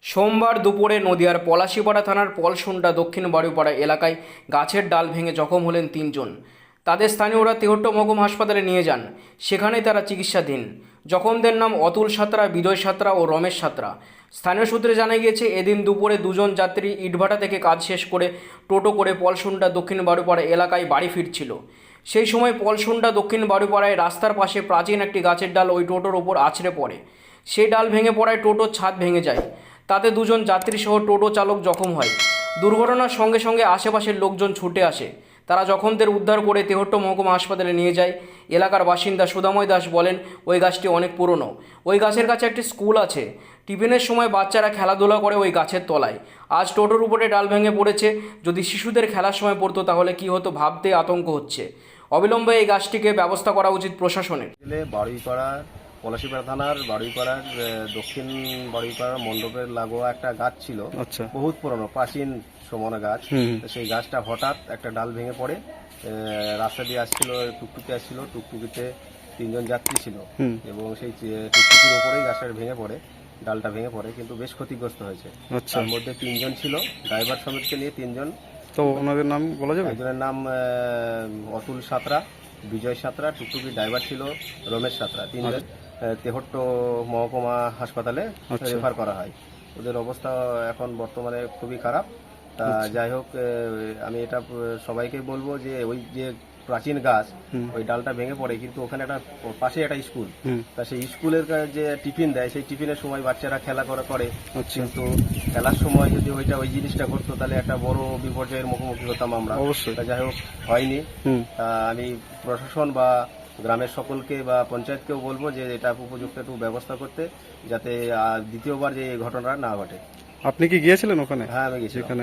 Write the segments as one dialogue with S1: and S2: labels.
S1: সোমবার দুপুরে নদিয়ার পলাশীপাড়া থানার পলসুন্ডা দক্ষিণ বাড়িপাড়া এলাকায় গাছের ডাল ভেঙে জখম হলেন তিনজন। তাদের স্থানীয়রা তেহট্ট মহকুমা হাসপাতালে নিয়ে যান। সেখানেই তারা চিকিৎসাধীন। জখমদের নাম অতুল সাঁতরা, বিজয় সাঁতরা ও রমেশ সাঁতরা। স্থানীয় সূত্রে জানা গিয়েছে, এদিন দুপুরে দুজন যাত্রী ইটভাটা থেকে কাজ শেষ করে টোটো করে পলসুন্ডা দক্ষিণ বাড়িপাড়া এলাকায় বাড়ি ফিরছিল। সেই সময় পলসুন্ডা দক্ষিণ বাড়িপাড়ায় রাস্তার পাশে প্রাচীন একটি গাছের ডাল ওই টোটোর ওপর আছড়ে পড়ে। সেই ডাল ভেঙে পড়ায় টোটোর ছাদ ভেঙে যায়। তাতে দুজন যাত্রীসহ টোটো চালক জখম হয়। দুর্ঘটনার সঙ্গে সঙ্গে আশেপাশের লোকজন ছুটে আসে। তারা জখমদের উদ্ধার করে তেহট্ট মহকুমা হাসপাতালে নিয়ে যায়। এলাকার বাসিন্দা সুধাময় দাস বলেন, ওই গাছটি অনেক পুরনো। ওই গাছের কাছে একটি স্কুল আছে। টিফিনের সময় বাচ্চারা খেলাধুলা করে ওই গাছের তলায়। আজ টোটোর উপরে ডাল ভেঙে পড়েছে। যদি শিশুদের খেলার সময় পড়তো তাহলে কি হতো ভাবতে আতঙ্ক হচ্ছে। অবিলম্বে এই গাছটিকে ব্যবস্থা করা উচিত প্রশাসনের।
S2: বাড়ুইপাড়া পলাশীপাড়া থানার বাড়ুইপাড়ার দক্ষিণ বাড়ুইপাড়ার মণ্ডপের লাগোয়া একটা গাছ ছিল।
S3: আচ্ছা।
S2: বহুত পুরনো প্রাচীন সমনা গাছ। তো সেই গাছটা হঠাৎ একটা ডাল ভেঙে পড়ে। রাস্তা দিয়ে আসছিল, টুকটুকি আসছিল, টুকটুকিতে তিনজন যাত্রী ছিল এবং সেই টুকটুকির ওপরেই গাছটা ভেঙে পড়ে, ডালটা ভেঙে পড়ে, কিন্তু বেশ ক্ষতিগ্রস্ত হয়েছে।
S3: আচ্ছা।
S2: তার মধ্যে তিনজন ছিল, ড্রাইভার সমেতকে নিয়ে তিনজন।
S3: তো ওনাদের নাম বলা যাবে?
S2: একজনের নাম অতুল সাঁতরা, বিজয় সাঁতরা, টুকটুকি ড্রাইভার ছিল রমেশ সাঁতরা। তিনজন তেহট্ট মহকুমা হাসপাতালে রেফার করা হয়। ওদের অবস্থা এখন বর্তমানে খুবই খারাপ। তা যাই হোক, আমি এটা সবাইকে বলবো যে ওই যে প্রাচীন গাছ, ওই ডালটা ভেঙে পড়ে, কিন্তু ওখানে একটা পাশে একটা স্কুল। তা সেই স্কুলের যে টিফিন দেয়, সেই টিফিনের সময় বাচ্চারা খেলা করে, কিন্তু খেলার সময় যদি ওই জিনিসটা ঘটতো তাহলে একটা বড় বিপর্যয়ের মুখোমুখি হতাম আমরা।
S3: অবশ্যই।
S2: তা যাই হোক, হয়নি। তা আমি প্রশাসন বা গ্রামের সকলকে বা পঞ্চায়েতকেও বলবো যে এটা উপযুক্ত একটু ব্যবস্থা করতে, যাতে দ্বিতীয়বার যে এই ঘটনা না ঘটে।
S3: আপনি কি গিয়েছিলেন ওখানে?
S2: হ্যাঁ, আমি গেছি।
S3: সেখানে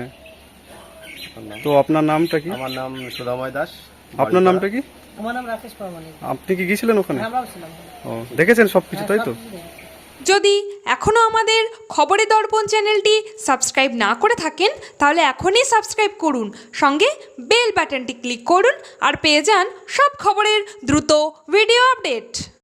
S3: তো আপনার নামটা কি?
S2: আমার নাম সুধাময় দাস।
S3: আপনার নামটা কি?
S4: আমার নাম রাকেশ পারমানি।
S3: আপনি কি গিয়েছিলেন ওখানে?
S4: আমরাও ছিলাম।
S3: ও, দেখেছেন সবকিছু, তাই তো?
S5: যদি এখনও আমাদের খবরের দর্পণ চ্যানেলটি সাবস্ক্রাইব না করে থাকেন তাহলে এখনই সাবস্ক্রাইব করুন, সঙ্গে বেল বাটনটি ক্লিক করুন আর পেয়ে যান সব খবরের দ্রুত ভিডিও আপডেট।